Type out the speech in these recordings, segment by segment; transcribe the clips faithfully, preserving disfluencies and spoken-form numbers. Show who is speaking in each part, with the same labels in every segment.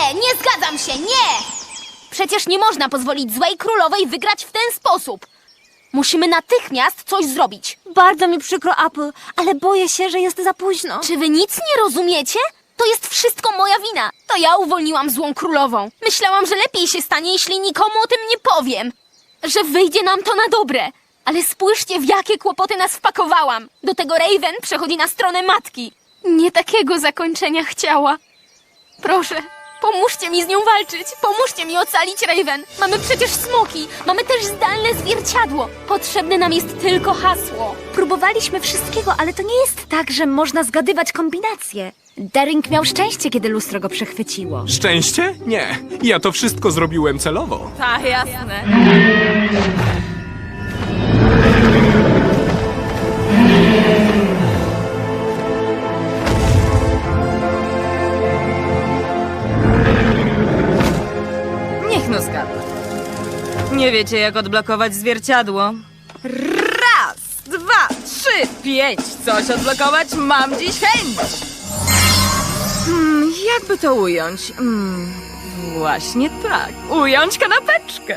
Speaker 1: Nie, nie zgadzam się, nie! Przecież nie można pozwolić złej królowej wygrać w ten sposób. Musimy natychmiast coś zrobić.
Speaker 2: Bardzo mi przykro, Apple, ale boję się, że jest za późno.
Speaker 1: Czy wy nic nie rozumiecie? To jest wszystko moja wina. To ja uwolniłam złą królową. Myślałam, że lepiej się stanie, jeśli nikomu o tym nie powiem. Że wyjdzie nam to na dobre. Ale spójrzcie, w jakie kłopoty nas wpakowałam. Do tego Raven przechodzi na stronę matki. Nie takiego zakończenia chciała. Proszę, pomóżcie mi z nią walczyć. Pomóżcie mi ocalić Raven. Mamy przecież smoki. Mamy też zdalne zwierciadło. Potrzebne nam jest tylko hasło.
Speaker 2: Próbowaliśmy wszystkiego, ale to nie jest tak, że można zgadywać kombinacje. Daring miał szczęście, kiedy lustro go przechwyciło.
Speaker 3: Szczęście? Nie. Ja to wszystko zrobiłem celowo.
Speaker 4: Tak, jasne. Niech no zgadza. Nie wiecie, jak odblokować zwierciadło? Raz, dwa, trzy, pięć. Coś odblokować mam dziś chęć. Hmm, jakby to ująć? Hmm, właśnie tak. Ująć kanapeczkę.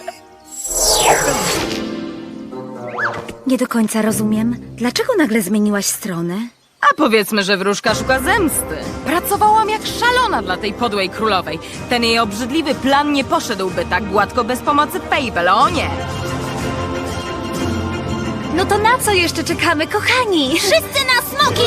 Speaker 2: Nie do końca rozumiem. Dlaczego nagle zmieniłaś stronę?
Speaker 4: A powiedzmy, że wróżka szuka zemsty. Pracowałam jak szalona dla tej podłej królowej. Ten jej obrzydliwy plan nie poszedłby tak gładko bez pomocy Fable, o nie!
Speaker 2: No to na co jeszcze czekamy, kochani?
Speaker 1: Wszyscy na smoki!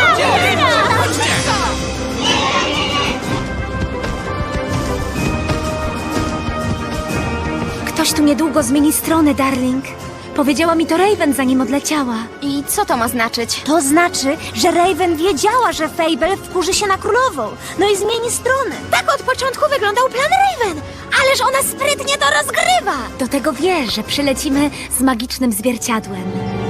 Speaker 2: Ktoś tu niedługo zmieni stronę, darling. Powiedziała mi to Raven, zanim odleciała.
Speaker 1: I co to ma znaczyć?
Speaker 2: To znaczy, że Raven wiedziała, że Fable wkurzy się na królową. No i zmieni stronę. Tak od początku wyglądał plan Raven. Ależ ona sprytnie to rozgrywa. Do tego wie, że przylecimy z magicznym zwierciadłem.